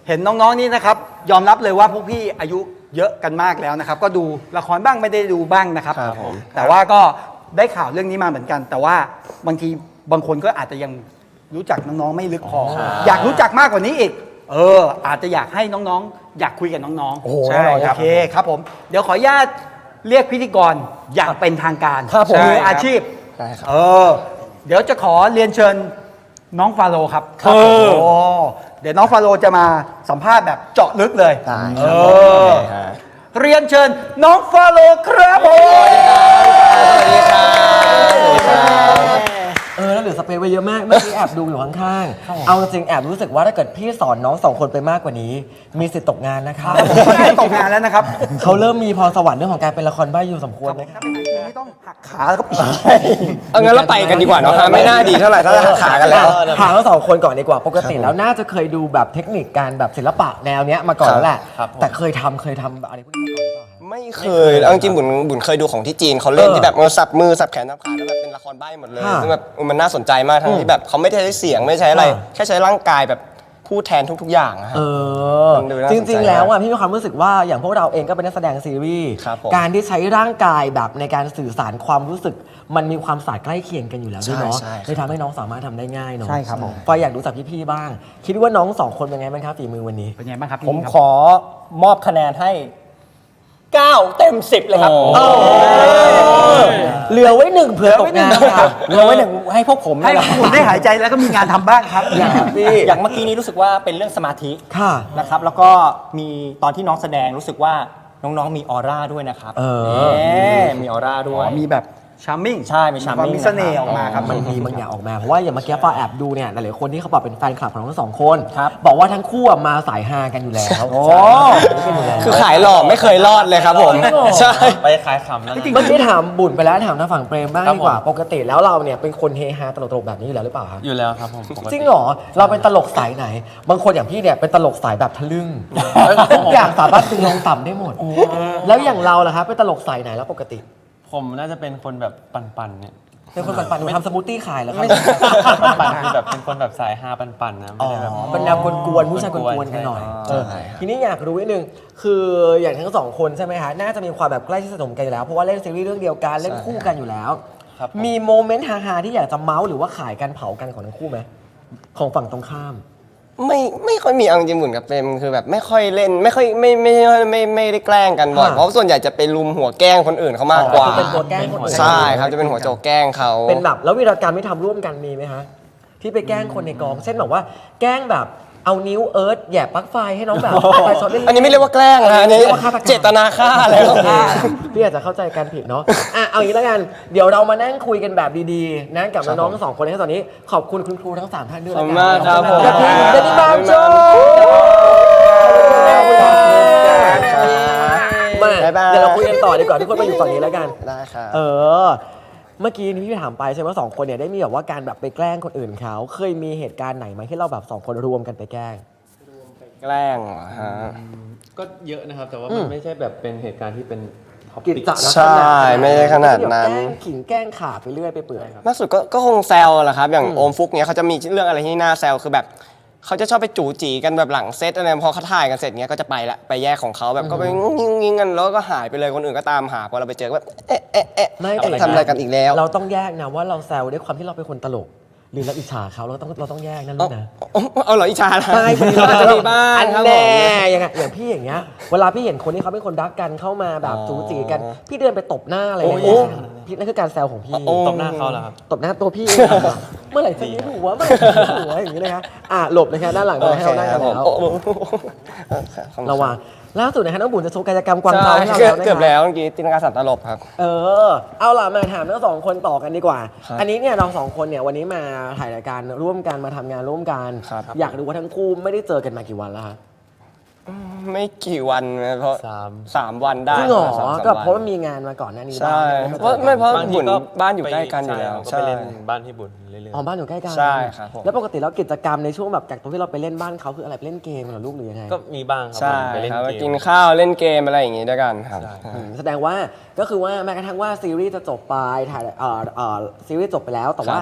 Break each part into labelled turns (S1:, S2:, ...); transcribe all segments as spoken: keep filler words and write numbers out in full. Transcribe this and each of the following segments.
S1: เห็นน้องๆนี่นะครับยอมรับเลยว่าพวกพี่อายุเยอะกันมากแล้วนะครับก็ดูละครบ้างไม่ได้ดูบ้างนะครับ
S2: ครับผม
S1: แต่ว่าก็ได้ข่าวเรื่องนี้มาเหมือนกัน แต่ว่าบางทีบางคนก็อาจจะยังรู้จักน้องๆไม่ลึกพออยากรู้จักมากกว่านี้อีกเอออาจจะอยากให้น้องๆอยากคุยกับน้องๆ
S2: โอ้โห
S1: ใช่
S2: แน่นอนค
S1: โอ
S2: รับ
S1: เคครับผมเดี๋ยวขออนุญาตเรียกพิธีกรอย่างเป็นทางการ
S2: ครับผม
S1: มืออาชีพ
S2: ได้ครับ
S1: เออเดี๋ยวจะขอเรียนเชิญน้องฟาโรห์ครับ
S2: ครับผม
S1: โอ้เดี๋ยวน้องฟาโรห์จะมาสัมภาษณ์แบบเจาะลึกเลย
S2: ได้
S1: เอ
S2: ครับ
S1: อ
S2: โอเคฮะ
S1: เรียนเชิญน้องฟาโรห์ครับผม
S2: สวัสดีครับสวัสดีครับ
S3: เออแล้วเหลือสเปซไว้เยอะมากเมื่อกี้แอบดูอยู่ข้างๆเอาจริงๆแอบรู้สึกว่าถ้าเกิดพี่สอนน้องสองคนไปมากกว่านี้ มีสิทธิ์ตกงานนะคะ
S1: ผมใกล้ตกงานแล้วนะครับ
S3: เขาเริ่มมีพรสวรรค์เรื่องของการเป็นละครใบ้อยู่สมควรนะคะ
S1: ถ้าเป็นไอทีไม่ต้องหักขาแล้วก็ปีก
S2: เอางั้นเราไปกันดีกว่าเนาะฮะไม่น่าดีเท่าไหร่ถ้าหักขากันแล้ว
S3: ถามทั้งสองคนก่อนดีกว่าปกติแล้วน่าจะเคยดูแบบเทคนิคการแบบศิลปะแนวเนี้ยมาก่อนแล้วแหละ
S2: ครับผม
S3: แต่เคยทำเคยทำอะไรพวกนี้มาก่อนหรือเปล่าคะ
S2: ไม่เคยเอาจริงๆบุญบุญเคยดูของที่จีนเขาเล่น
S3: เออ
S2: ที่แบบเออสับมือสับแขนสับขาแล้วแบบเป็นละครใบ้หมดเลย
S3: ค่ะ
S2: ซึ่งแบบเออมันน่าสนใจมากทั้งที่แบบเขาไม่ได้ใช้เสียงไม่ใช้อะไร
S3: ค่ะ
S2: แค่ใช้ร่างกายแบบพูดแทนทุก ๆ อย่างอะฮะ
S3: เออ
S2: มันดูน่า
S3: จ
S2: สนใจ
S3: ริงๆแล้วอ่ะพี่มีความรู้สึกว่าอย่างพวกเราเองก็เป็นนักแสดงซีรีส์
S2: ครับผม
S3: การที่ใช้ร่างกายแบบในการสื่อสารความรู้สึก มันมีความศาสตร์ใกล้เคียงกันอยู่แล้วด้วยเนาะ
S2: ใช่ใช่
S3: เลยทำให้น้องสามารถทำได้ง่ายเนาะ
S1: ใช่ครับผม
S3: ฟอยอยากรู้จักพี่ๆบ้าง คิดว่าน้องสองคนเป็นไงบ้างครับฝีมือวันนี้
S1: เป็นไงบ้างครับพี่
S4: ผม
S1: ครับ
S4: ขอมอบคะแนนให้เก้าเต็มสิบเลยครับ
S3: เหลือไว้หนึ่งเผื่อตกงานค่ะ
S4: เหลือไว้หนึ่งให้พวกผม
S1: ให้
S4: นี่แหละ
S1: คุณได้หายใจแล้วก็มีงานทำบ้างครับ
S4: อย่าง
S3: พี่
S4: อย่างเมื่อกี้นี้รู้สึกว่าเป็นเรื่องสมาธิ
S3: ค่ะ
S4: นะครับ แล้วก็มีตอนที่น้องแสดงรู้สึกว่าน้องๆมีออร่าด้วยนะครับ
S3: เออ
S4: เอ๊ะมีออร่าด้วย
S1: มีแบบชาร์มมิ่ง
S4: ใช่มี charming
S1: มีเสน่ห์ออกมาครับ
S3: มันมีบางอย่างออกมาเพราะว่าอย่างเมื่อกี้ฟอแอบดูเนี่ยหลายๆคนที่เขาบอกเป็นแฟนคลับของทั้งสองคน
S4: ครับ
S3: บอกว่าทั้งคู่อะมาสายฮากันอยู่แล้ว
S4: โอ้
S3: กันอยู่แล้ว
S2: คือขายหล่อไม่เคยรอดเลยครับผมใช่
S5: ไปขายขำแล้วนะ
S3: เมื่อกี้ถามบุญไปแล้วถามทางฝั่งเปรมบ้าง
S5: ครับ
S3: ดีกว่า
S5: ผม
S3: ปกติแล้วเราเนี่ยเป็นคนเฮฮาตลกๆแบบนี้อยู่แล้วหรือเปล่าครับ
S5: อยู่แล้วครับผมปกติ
S3: จริงเหรอเราเป็นตลกสายไหน บางคนอย่างพี่เนี่ยเป็นตลกสายแบบทะลึ่งทุกอย่างสามารถตึงลงต่ำได้หมด แล้วอย่างเราล่ะครับเป็นตลกสายไหนแล้วปกติ
S5: ผมน่าจะเป็นคนแบบปั่นๆเนี่ย
S3: เป็นคนปั่นๆหนูทำสมูทตี้ขายแล้วครับ
S5: ไม่ใช่ปั่นๆคือแบบเป็นคนแบบสายฮาปั่นๆนะ
S3: อ๋
S5: ไม่
S3: อ
S5: ได้แบบ
S3: เป็นแนวกวนๆผู้ชายกวนๆกันหน่อย
S5: ใช่
S3: เออทีนี้อยากรู้นิดนึงคืออย่างทั้งสองคนใช่ไหมฮะน่าจะมีความแบบใกล้ชิดสนมกันอยู่แล้วเพราะว่าเล่นซีรีส์เรื่องเดียวกันเล่นคู่กันอยู่แล้ว
S5: ครับผม
S3: มีโมเมนต์ฮาๆที่อยากจะเมาส์หรือว่าขายกันเผากันของทั้งคู่ไหมของฝั่งตรงข้าม
S2: ไม่ไม่ค่อยมีเอาจริงๆบุญกับเปรมคือแบบไม่ค่อยเล่นไม่ค่อยไม่ไม่ไม่ไม่ไม่ได้แกล้งกันบ่อย
S3: ค่ะ
S2: เพราะส่วนใหญ่จะไปลุมหัวแกล้งคนอื่นเขามากกว่า
S3: คือเป็นตัวแกล้งคนอื่น
S2: ใช่ครับจะเป็นหัวโจกแกล้งเขา
S3: เป็นแบบแล้ววีรกรรมที่ทำร่วมกันมีไหมฮะที่ไปแกล้งคนในกองเช่นแบบว่าแกล้งแบบเอานิ้วเอิร์ธแหย่ปลั๊กไฟให้น้องแบบไฟช็อตเล่นๆ
S2: อันนี้ไม่เรียกว่าแกล้งนะอันนี้
S3: เรียกว่าฆาตกรรม
S2: เจตนาฆ่าแล้ว
S3: อ่ะพี่อาจจะเข้าใจกันผิดเนาะอ่ะเอาอย่างนี้แล้วกันเดี๋ยวเรามานั่งคุยกันแบบดีๆนะกับน้องๆทั้งสองคนในตอนนี้ขอบคุณคุณครูทั้งสามท่านด้วย
S2: ขอบ
S3: แล้ว
S2: คุณ
S3: กัน
S2: มากครับผม
S3: ขอบคุณเดนิมามโชว์มา
S2: บ๊ายบาย
S3: เดี๋ยวเราคุยกันต่อดีกว่าทุกคนมาอยู่ฝั่งนี้แล้วกัน
S2: ได้ครับ
S3: เออ เมื่อกี้นี่พี่ถามไปใช่ไหมว่าสองคนเนี่ยได้มีแบบว่าการแบบไปแกล้งคนอื่นเขาเคยมีเหตุการณ์ไหนไหมที่เราแบบสองคนรวมกันไปแกล้ง
S2: แกล้งเหรอฮะ
S5: ก็เยอะนะครับ แต่ว่ามันไม่ใช่แบบเป็นเหตุการณ์ที่เป็นท็อป
S3: กิจ
S5: ปิก
S3: จะลักษณะ
S2: ใช่ไม่ได้ขนาดนั้น
S3: แกล้งขิงแกล้งขาไปเรื่อยไปเปื่อย
S2: ล่าสุดก็ก็คงแซวแหละครับ อย่างโอมฟุกเนี้ยเขาจะมีเรื่องอะไรที่น่าแซวคือแบบเขาจะชอบไปจู๋จีกันแบบหลังเซตอะไรพอเขาถ่ายกันเสร็จเนี้ยก็จะไปละไปแยกของเขาแบบก็ไปงิ้งงิ้งกันแล้วก็หายไปเลยคนอื่นก็ตามหาพอเราไปเจอก็แบบเอ๊ะเอ๊ะเอ๊ะ
S3: ไม่แต่
S2: ทำอะไรกันอีกแล้ว
S3: เราต้องแยกนะว่าเราแซวด้วยความที่เราเป็นคนตลก หรือเราอิจฉาเขาเราต้องเราต้องแยกนั่นลูกนะ
S2: เอาเอาเหรออิจฉาล่ะ
S3: ใช่
S2: อาจจะมีบ้าง
S3: อัน
S2: ครับผ
S3: แน่
S2: ม
S3: อย่างเงี้ยอย่างพี่อย่างเงี้ยเวลาพี่เห็นคนที่เขาเป็นคนรักกันเข้ามาแบบ
S2: อ๋อ
S3: จู๋จีกัน พี่เดินไปตบหน้าอะไร
S2: โอ้
S3: เงี้
S2: ย
S3: ยพี่นั่นคือการแซวของพี่
S2: โอ้
S5: ตบหน้าเขาเหรอครับ
S3: ตบหน้าตัวพี่เองอะเมื่อไหร่จะยิ้มหัวเมื่อไหร่จะยิ้มหัวอย่างนี้เลยครับอ่ะหลบเลยครับด้านหลังเราให้เรานั่งกันแล้ว
S2: โอเคครับผม
S3: ระวังล่าสุดนะฮะน้องบุญจะโชว์กายกรรมกวาง
S2: ใช่
S3: เทาให้เรา
S2: เกือบ
S3: แล้วนะ
S2: เกือบ
S3: ค
S2: แล้
S3: รับ
S2: วเมื่อกี้จินตนาการสัตว์ตลบครับ
S3: เออเอาล่ะมาถามทั้งสองคนต่อกันดีกว่า
S2: ครับ
S3: อันนี้เนี่ยเราสองคนเนี่ยวันนี้มาถ่ายรายการร่วมกันมาทำงานร่วมกัน
S2: ครับ
S3: อยากรู้ว่าทั้งคู่ไม่ได้เจอกันมากี่วันแล้วฮะ
S2: ไม่กี่วันนะเพราะ
S5: สาม
S2: สามวันได้
S3: จริงเหรอ
S2: สามสาม
S3: ก็
S2: วัน
S3: เพราะว่ามีงานมาก่อนหน้านี้
S2: ใช่
S3: บ้าง
S2: เพราะไม่เพราะ
S5: บางที
S2: บุญ
S5: ก็
S2: บ้านอยู่ใกล้กันอยู่แล้ว
S5: ใช่ก็ไปเล่นบ้านพี่บุญเรื่อย
S3: อ๋อบ้านอยู่ใกล้กัน
S2: ใช่ครับผม
S3: แล้วปกติแล้วกิจกรรมในช่วงแบบจากตรงที่เราไปเล่นบ้านเขาคืออะไรไปเล่นเกมเหรอลูกหรือยังไง
S5: ๆก็มีบ้างครั
S2: ใช่
S5: ผมไปเล่น
S2: ครับ
S5: เก
S2: กิน
S5: ม
S2: ข้าวเล่นเกมอะไรอย่างงี้ด้วยกันครับ
S5: ใช่
S3: อืมแสดงว่าก็คือว่าแม้กระทั่งว่าซีรีส์จะจบไปถ่ายเอ่อเอ่อซีรีส์จบไปแล้วแต่ว่า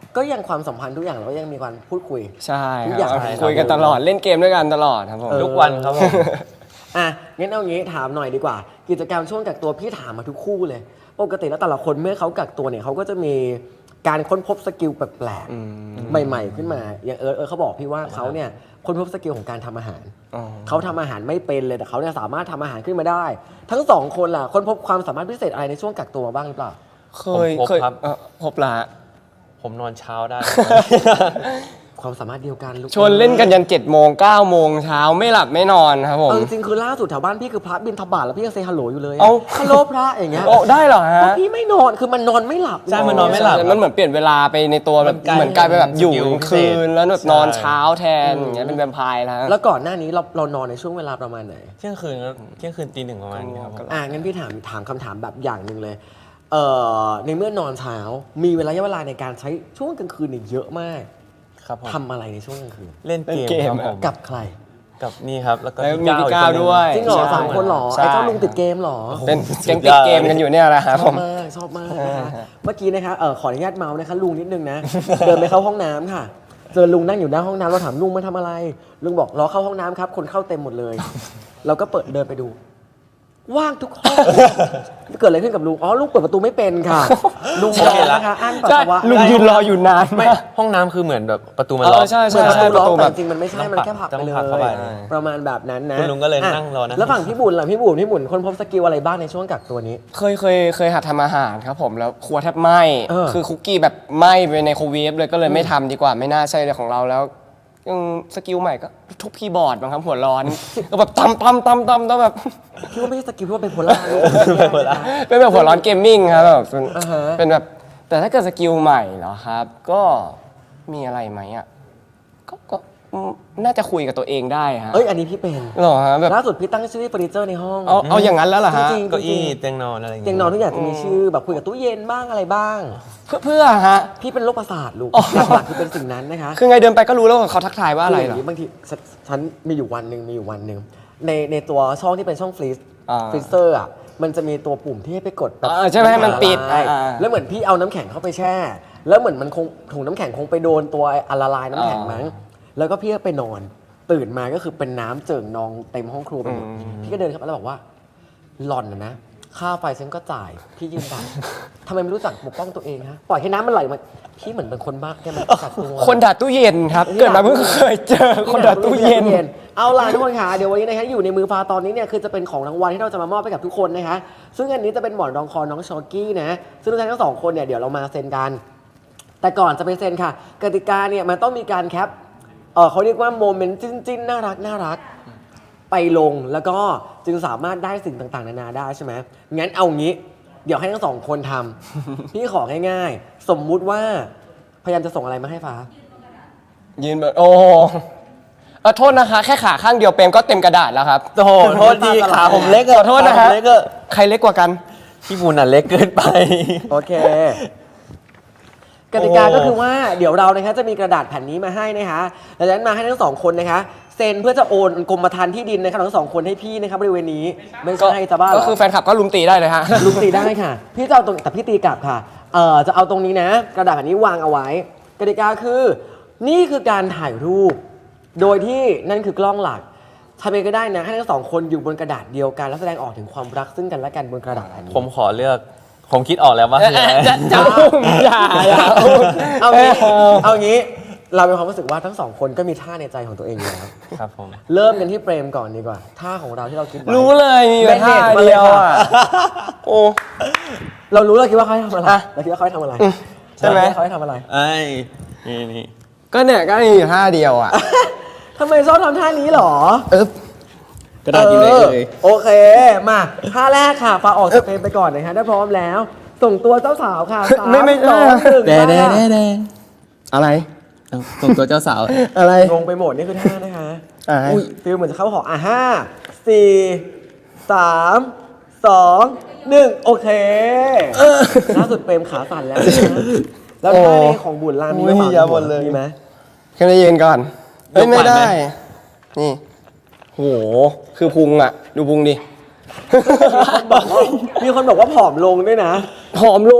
S3: ก็ยังความสัมพันธ์ทุกอย่างเราก็ยังมีการพูดคุย
S2: ใช่
S3: ทุก
S2: ค
S3: อย่า
S2: รั
S3: ง
S2: บคุยกันตลอดเล่นเกมด้วยกันตลอดครับผม
S3: เออ
S5: ทุกวันครับผม
S3: อ่ะงั้นเอางี้ถามหน่อยดีกว่า กิจกรรมช่วงกักตัวพี่ถามมาทุกคู่เลย ปกติแล้วแต่ละคนเมื่อเขากักตัวเนี่ยเขาก็จะมีการค้นพบสกิลแปลกๆใหม่ๆขึ้นมา อย่างเอิร์ธเอิร์ธเขาบอกพี่ว่าเขาเนี่ยค้นพบสกิลของการทำอาหาร
S2: อ๋อ
S3: เขาทำอาหารไม่เป็นเลยแต่เขาเนี่ยสามารถทำอาหารขึ้นมาได้ ทั้งสองคนล่ะค้นพบความสามารถพิเศษอะไรในช่วงกักตัวบ้างหรือเปล่า
S2: เคย
S5: ผมพบ
S2: เคย
S5: ครับ
S2: เอ่อพบละฮะ
S5: ผมนอนเช้าได้
S3: ความสามารถเดียวกันลูก
S2: ชวนเล่นกันยันเจ็ดโมงเก้าโมงเช้าไม่หลับไม่นอนครับผม
S3: เอาจริงๆคือล่าสุดแถวบ้านพี่คือพระบินทบาทแล้วพี่ยังเซฮัลโหลอยู่เลยอะ
S2: เอ้า
S3: ฮัลโหลพระอย่างเงี้ย
S2: โอ้ได้เหรอ
S3: เพ
S2: ฮะ
S3: ราะพี่ไม่นอนคือมันนอนไม่หลับ
S5: ใช่มันนอนไม่หลับ
S2: มันเหมือนเปลี่ยนเวลาไปในตัวแบบ
S5: มันกลาย
S2: เหมือนกลายไปแบบอยู่
S5: เป็นสกิล
S2: คืน
S5: พิเศษ
S2: แล้วแบบ
S5: ใช่
S2: นอนเช้าแทนอย่างเงี้ยเป็นแวมไพร์แล้ว
S3: แล้วก่อนหน้านี้เราเรานอนในช่วงเวลาประมาณไหน
S5: เที่ยงคืนครับเที่ยงคืนตีหนึ่งประมาณนี้ครับผม
S3: อ่างั้นพี่ถามถามคำถามแบบอย่างหนึ่งเลยเอ่อในเมื่อนอนเช้ามีเวลาเวลาในการใช้ช่วงกลางคืนเนี่ยเยอะมาก
S5: ครับผม
S3: ทำอะไรในช่วงกลางคืน
S5: เล่นเกม
S2: เล่นเกม
S5: ครับผม
S3: กับใคร
S5: กับนี่ครับ แล้วก็
S2: แล้ว
S5: พี่
S2: มี
S5: ก้าว
S2: พี่
S5: อีก
S2: ก้าว
S5: คนหนึ่ง
S2: ด้วย
S3: จริงเหรอ
S2: ใช่
S3: สามคนเหรอ
S2: ใช่
S3: ไอ้เจ้าลุงติดเกมเหรอ
S2: เป็นแก๊งติดเกมกันอยู่เนี่ยแหละครับ
S3: ช
S2: ผ
S3: อบ
S2: ม
S3: มากชอบมากนะคะเมื่อกี้นะคะเออขออนุญาตเมาส์นะคะลุงนิดนึงนะ เดินไปเข้าห้องน้ำค่ะ เจอลุงนั่งอยู่หน้าห้องน้ำเราถามลุงมาทำอะไร ลุงบอกรอเข้าห้องน้ำครับ คนเข้าเต็มหมดเลย เราก็เปิดเดินไปดู ว่างทุกห้อง เกิดอะไรขึ้นกับลุง อ๋อลุงเปิดประตูไม่เป็นค่ะ ลุงรอนะคะอั้นปัส
S2: ใช่
S3: สาวะ
S2: ลุงยืนรออยู่นาน
S5: ไม่
S2: มาก
S5: ห้องน้ำคือเหมือนแบบประตูมัน
S2: เอ
S5: ล็อ
S2: อก ใช่ใช่
S3: เหมือน
S2: ใช่
S3: ป
S2: ประ ระ
S3: ตู
S2: ตู
S3: ล็อก
S2: แบบ
S3: แต่จริงๆมันไม่ใช่ มันแค่ผลักไป
S5: ต้อง
S3: เล
S5: ผลักเข้าไป
S3: ย ประมาณแบบนั้นนะ
S5: คุณลุงก็เลย
S3: อ่ะ
S5: นั่งรอนะ
S3: แล้วฝั่งพี่บุญล่ะพี่บุญพี่บุญคนพบสกิลอะไรบ้างในช่วงกักตัวนี้
S2: เคยเคยเคยหัดทำอาหารครับผมแล้วครัวแทบไหม้
S3: เออ
S2: คือคุกกี้แบบไหม้ไปในโครเวฟเลยก็เลยไม่ทำดีกว่าไม่น่าใช่เลยของเราแล้วยังสกิลใหม่ก็ทุบคีย์บอร์ดบางครับหัวร้อน ก็แบบตำตำตำตำต้องแบบ
S3: พี่ว่าไม่ใช่สกิลพี่ว่าเป็นโพล่าลูก
S5: เป็นโพล่า
S2: เป็นแบบหัวร้อนเกมมิ่งครับแบบเป็น
S3: อ่าฮะ
S2: เป็นแบบแต่ถ้าเกิดสกิลใหม่เหรอครับ ก็มีอะไรไหมอ่ะก็ก็อืมน่าจะคุยกับตัวเองได้ฮะ
S3: เอ้ยอันนี้พี่เป็น
S2: เหรอฮะแบบ
S3: ล่าสุดพี่ตั้งชื่อเฟอร์นิเจอร์ในห้อง
S2: เอาเอาอย่างนั้นแล้วเหรอฮะ
S3: จริงๆ
S5: เก้าอี้เตียงนอนอะไรอย่าง
S3: เตียงนอนทุกอย่างจะมีชื่อแบบคุยกับตู้เย็นบ้างอะไรบ้าง
S2: เพื่อเพื่อฮะ
S3: พี่เป็นโรคประสาทลูก
S2: อ๋อ
S3: หลักๆคือเป็นสิ่งนั้นนะคะ
S2: คือไงเดินไปก็รู้แล้วว่าเขาทักทายว่าอะไร
S3: คื
S2: เหรอ
S3: ย่างนี้บางทีฉนฉันมีอยู่วันหนึ่งมีอยู่วันหนึ่งในในตัวช่องที่เป็นช่องฟรีซ
S2: อ่า
S3: ฟรีเซอร์อ่ะมันจะมีตัวปุ่มที่ให้ไปกดแบบ
S2: อ่าใช่ไหมให้มันปิด
S3: ละลาย
S2: อ่า
S3: แล้วเหมือนพี่เอาน้ำแข็งเข้าไปแช่ แล้วเหมือนมันคงถุงน้ำแข็งคงไปโดนตัวอะละลายน้ำแข็งมั้งแล้วก็พี่ก็ไปนอน ตื่นมาก็คือเป็นน้ำเจิ่งนองเต็มห้องครัวไปหมดพี่ก็เดินเข้าไปแล้วบอกว่าหล่อนนะนะค่าไฟฉันก็จ่ายพี่ยืนด่าทำไมไม่รู้จักปกป้องตัวเองฮะปล่อยให้น้ำมันไหลมาพี่เหมือนเป็นคนบ้าแกมันกัดตัว
S2: คนด่าตู้เย็นครับ เกิดมาเพิ่งเคยเจอคนด่าตู้เย็น
S3: เอาล่ะทุกคนค่ะเดี๋ยววันนี้นะคะอยู่ในมือฟ้าตอนนี้เนี่ยคือจะเป็นของรางวัลที่เราจะมามอบให้กับทุกคนนะคะซึ่งอันนี้จะเป็นหมอนรองคอน้องชอกี้นะซึ่งทุกท่านทั้งสองคนเนี่ยเดี๋ยวเรามาเซ็นกัน แต่ก่อนจะไปเซ็นค่ะ กติกาเนี่ยมันต้องมีการแคปเออเขาเรียกว่าโมเมนต์จิ้นๆน่ารักน่ารักไปลงแล้วก็จึงสามารถได้สิ่งต่างๆนานาได้ใช่ไหมงั้นเอางี้เดี๋ยวให้ทั้งสองคนทำ พี่ของ่ายๆสมมุติว่าพยายามจะส่งอะไรมาให้ฟ้า
S2: ยืนแบบโอ้เออโทษนะคะ แค่ขาข้างเดียวเปรมก็เต็มกระดาษแล้วครับ
S5: โอ้โหโทษทีขาผมเล็กอะ
S2: ขอโทษนะฮะ
S5: ขาผมเล็กอะ
S2: ใครเล็กกว่ากัน
S5: พี่บุญอ่ะเล็กเกินไป
S3: โอเค กติกาก็คือว่าเดี๋ยวเรานะคะจะมีกระดาษแผ่นนี้มาให้นะคะดังนั้นมาให้ทั้งสองคนนะคะเซ็นเพื่อจะโอนกรมธรรม์ที่ดินนะคะทั้งสองคนให้พี่นะคะบริเวณนี้ไม่ใช่จะบ้าเหร
S2: ก็คือแฟนคลับก็ลุมตีได้เลยฮะ
S3: ลุงตีได้ค่ะ พี่จะเอาตรงแต่พี่ตีกลับค่ะเอ่อจะเอาตรงนี้นะ กระดาษแผ่นนี้วางเอาไว้ กติกาคือ นี่คือการถ่ายรูป โดยที่นั่นคือกล้องหลักทำเองก็ได้นะให้ทั้งสองคนอยู่บนกระดาษเดียวกันแล้วแสดงออกถึงความรักซึ่งกันและกันบนกระดาษแผ่นนี้
S5: ผมขอเลือก ผมคิดออกแล้วว่าคืออะไร
S2: จะจะอุ้มอย่าอย่าอุ้ม
S3: เอางี้เอางี้เรามีความรู้สึกว่าทั้งสองคนก็มีท่าในใจของตัวเองอยู่แล้ว
S5: ครับผม
S3: เริ่มกันที่เปรมก่อนดีกว่าท่าของเราที่เราคิดไว้
S2: รู้เลยมีอยู่ท่าเดียวอ่ะ โอ้
S3: เรารู้เราคิดว่าเขาให้ทำอะไรเราคิดว่าเขาให้ทำอะไร
S2: ใช่ไหม
S3: เขาให้ทำอะไร
S5: ไอ้นี่นี่
S2: ก็เนี่ยก็มีอยู่ท่าเดียวอ่ะ
S3: ทำไมชอบทำท่านี้หรอ
S2: เอ๊บ
S5: กระดาษอยู่ไหนเอ่ย
S3: โอเค มาท่าแรกค่ะฟ้าออกสเปนไปก่อนนะคะถ้าพร้อมแล้ว ส่งตัวเจ้าสาวค่ะสาม
S2: ไม่ไม่
S3: สองหนึ่ง
S5: แดแด
S3: มา
S5: แดแด
S2: อะไร
S5: ส่งตัวเจ้าสาว
S2: อะไร
S3: งงไปหมดนี่คือท่านะคะ
S2: อ่า
S3: อุ้ยฟิลเหมือนจะเข้าหออ่ะห้าสี่สามสองหนึ่งโอเคล่าสุดเปรมขาสั่นแล้วนะแล้วท่านี้ของบุญรามมีไหม
S2: อุ้ยอย่าหมดเลย
S3: มีไหม
S2: ขึ้นไปยืนก่อนเฮ้ย
S5: ยกไหว
S2: ไม่
S5: ไหม
S2: ได้ นี่ โห คือพุงอ่ะ ดูพุงดิ
S3: มีคนบอกว่าผอมลงด้วยนะ
S2: ผอมลง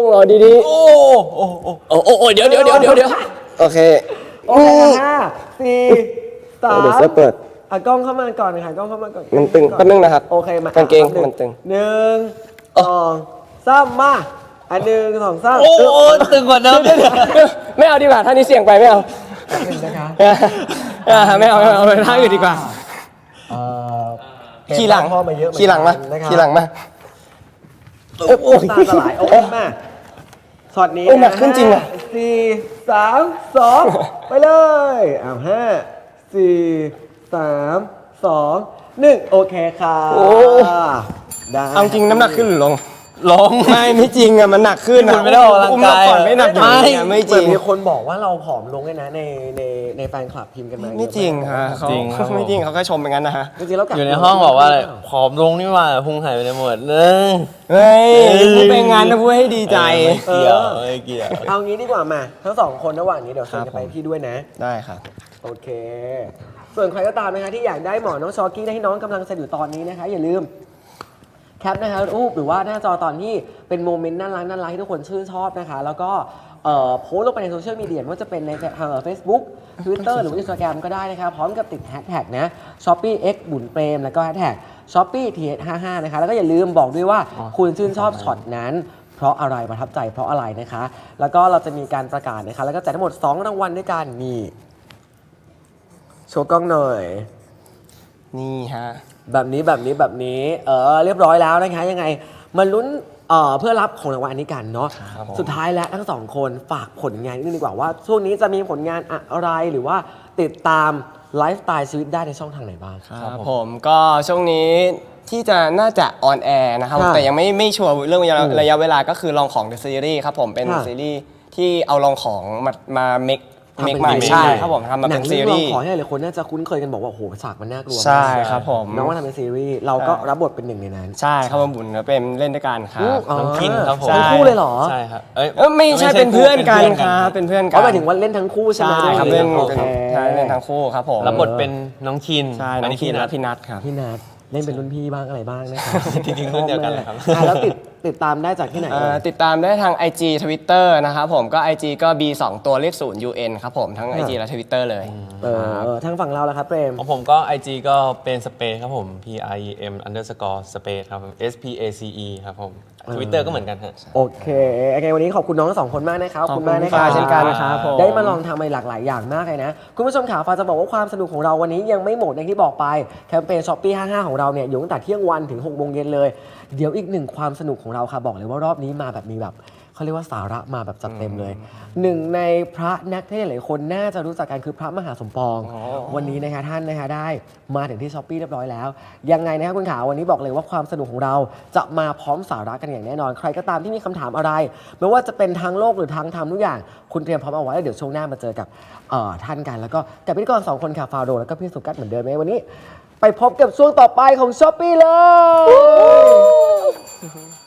S2: เอาดีๆ
S4: โอ้โอ้โอ้
S2: โอ้โอ้โอ้เดี๋ยวเดี๋ยวเดี๋ยวเดี๋ยวเดี๋ยวโอเค
S3: โอเคห้าสี่สาม
S2: เดี๋ยวเสื้อเปิด
S3: อ่ะกล้องเข้ามาก่อนค่ะกล้องเข้ามาก่อน
S2: มันตึงแป๊บนึงนะครับ
S3: โอเคมาก
S2: างเกง
S3: แป๊บนึ
S2: มันตึง
S3: หนึ่งสองสามมาอันหนึ่งสองสาม
S4: โอ้โอ้ตึงกว่าเดิม
S2: ไม่เอาดีกว่าท่านี้เสี่ยงไปไม่เอา
S3: หนึ่งนะคะ
S2: อ่าไม่เอาไม่เอาท่าอื่นดีกว่า
S3: เอ่อ
S2: ขี่หลัง
S3: พ่อมาเยอะเอน
S2: ขี่หลังมา
S3: กันนะครับ
S2: ขี่หลังมา
S3: โอ้โหตาสลายโอ้ยมาช็อตนี้
S2: โอ้ยหนักขึ้นจริงอะ
S3: ห้าสี่สามสองไปเลยอ้าวห้าสี่สามสองหนึ่งโอเคค่ะ
S2: โอ้
S3: ได้
S2: เอาจริงน้ำหนักขึ้นหรือลง
S4: ลง
S2: ไม่ไม่จริงอะมันหนักขึ้น
S4: คุณไม่ได้ออกกำลังกาย
S2: อุ้มเราก่อนไม่หนักอย่างนี้อะไม่จ
S3: เหมื
S2: ริ
S3: อน
S2: ง
S3: มีคนบอกว่าเราผอมลงเลยนะในในในแฟนคลับพิมพ์กันมา
S2: ไม่จริงฮะเขา
S4: จริงครับผม
S2: ไม่จริงเขาแค่ชมเป็นงั้นนะฮะ
S3: จริงๆแล้วกั
S5: อยู่ในห้องบอกว่าอะไรผอมลงนี่หว่าพุงหายไปในหมดเลย
S2: เฮ้ยพูดเป็นงั้นนะพูดให้ดีใจ
S5: ไม่เกี่ยวไม่เกี่ยว
S3: เอางี้ดีกว่ามาทั้งสองคนระหว่างนี้เดี๋ยวเชิญ
S2: ครับ
S3: จะไปพี่ด้วยนะ
S2: ได้ครับ
S3: โอเค ส่วนใครก็ตามนะคะที่อยากได้หมอน้องชอกี้ที่น้องกำลังเซ็นอยู่ตอนนี้นะคะ อย่าลืมแคปนะคะรูปหรือว่าหน้าจอตอนที่เป็นโมเมนต์น่ารักน่ารักที่ทุกคนชื่นชอบนะคะ แล้วก็เอ่อโพสต์ลงไปในโซเชียลมีเดียไม่ว่าจะเป็นในทางเฟซบุ๊กทวิตเตอร์หรือว่าอินสตาแกรมก็ได้นะคะ พร้อมกับติดแฮชแท็กนะ Shopee X บุญเปรมแล้วก็แฮชแท็ก Shopee ที เอส ห้าห้า นะคะ แล้วก็อย่าลืมบอกด้วยว่าคุณชื่นชอบช็อตนั้น เพราะอะไรประทับใจเพราะอะไรนะคะ แล้วก็เราจะมีการประกาศนะคะ แล้วก็แจกทั้งหมดสองรางวัลด้วยกันนี่โชว์กล้องหน่อย
S2: นี่ฮะ
S3: แบบนี้แบบนี้แบบนี้เออเรียบร้อยแล้วนะคะยังไงมาลุ้นเอ่อเพื่อรับของรางวัลอันนี้กันเนาะสุดท้ายแล้วทั้งสองคนฝากผลงานนิดนึงดีกว่าว่าช่วงนี้จะมีผลงานอะไรหรือว่าติดตามไลฟ์สไตล์ชีวิตได้ในช่องทางไหนบ้าง
S2: ครับผมก็ช่วงนี้ที่จะน่าจะออนแอร์นะครับ
S3: ค่ะ
S2: แต่ยังไม่ไม่ชัวร์เรื่องระยะ
S3: อืม
S2: ระยะเวลาก็คือลองของ The Series ครับผมเป็น
S3: ค่ะ
S2: ซีรีส์ที่เอาลองของมามาเมค
S3: ทำ
S2: เม
S3: เป็
S2: คน ใหม่
S3: ซีรีส์
S2: ใช่ครับผมทำมา
S3: หนั
S2: เป็น
S3: ง
S2: ซี
S3: เรื่อง
S2: รี
S3: เรา
S2: ส์
S3: ขอให้หลายคนน่าจะคุ้นเคยกันบอกว่าโอ้โหฉากมันน่ากลัวมาก
S2: ใช่ครับผม
S3: น้องว่าทำเป็นซีรีส์เราก็รับบทเป็นหนึ่งในนั้น
S2: ใช่ครับผมบุญก็เป็นเล่นด้วยกันครับ
S3: อ๋อ
S5: น้องคินครับผม
S3: ทั้งคู่เลยเหรอ
S5: ใช่ครับเอ้ย
S2: เออไม่ใช่เป็นเพื่อนกันครับเป็นเพื่อนกัน
S3: เขาหมายถึงว่าเล่นทั้งคู่ใช่ไหม
S2: ใช่ครับเล่น
S3: โอ
S2: เป็น
S3: เค
S2: ใช่เล่นทั้งคู่ครับผม
S5: รับบทเป็นน้องคิน
S2: ใช่น้องคินและพี่นัทครับ
S3: พี่นัทเล่นเป็นรุ่นพี่บ้างอะไรบ้างนะครับ
S5: จริงๆรุ่นเดียวกันเลยครับ
S3: อ่ะแล้วติดติดตามได้จากที่ไหน
S2: เอ่
S3: เอ่
S2: อย ติดตามได้ทาง ไอ จี Twitter นะครับผมก็ ไอ จี ก็ บี สอง ตัวเลขศูนย์ ยู เอ็น ครับผมทั้ง ไอ จี และ Twitter เลย
S3: เออทางฝั่งเราแล้วครับเปรม
S5: ของผมก็ ไอ จี ก็เป็น space ครับผม p i e m underscore space ครับผม s p a c e ครับผม Twitter ก็เหมือนกันฮะ
S3: โอเคโอเค วันนี้ขอบคุณน้องทั้งสองคนมากนะครับ
S2: ขอบคุณ
S3: มากนะค
S2: ฟ้า
S3: รับ
S2: เช่นกันครับผม
S3: ได้มาลองทำอะไรหลากหลายอย่างมากเลยนะ คุณผู้ชมขาฟ้าจะบอกว่าความสนุกของเราวันนี้ยังไม่หมดอย่างที่บอกไป แคมเปญ Shopee ห้าห้า ของเราเนี่ยอยู่ตั้งแต่เที่ยงวันถึงหกโมงเย็นเลย เดี๋ยวอีกหนึ่งความสนุกของเราค่ะบอกเลยว่ารอบนี้มาแบบมีแบบเขาเรียกว่าสาระมาแบบจัดเต็มเลย หนึ่งในพระนักเทศน์หลายคนน่าจะรู้จักกันคือพระมหาสมปอง วันนี้นะคะท่านนะคะได้มาถึงที่ช้อปปี้เรียบร้อยแล้ว ยังไงนะคะคุณขาวันนี้บอกเลยว่าความสนุกของเราจะมาพร้อมสาระกันอย่างแน่นอน ใครก็ตามที่มีคำถามอะไรไม่ว่าจะเป็นทางโลกหรือทางธรรมทุกอย่าง คุณเตรียมพร้อมเอาไว้แล้วเดี๋ยวช่วงหน้ามาเจอกับเอ่อท่านกัน แล้วก็กับพิธีกรสองคนค่ะฟาโรห์แล้วก็พี่สุกัสเหมือนเดิมไหมวันนี้ ไปพบกับช่วงต่อไปของช้อปปี้เลย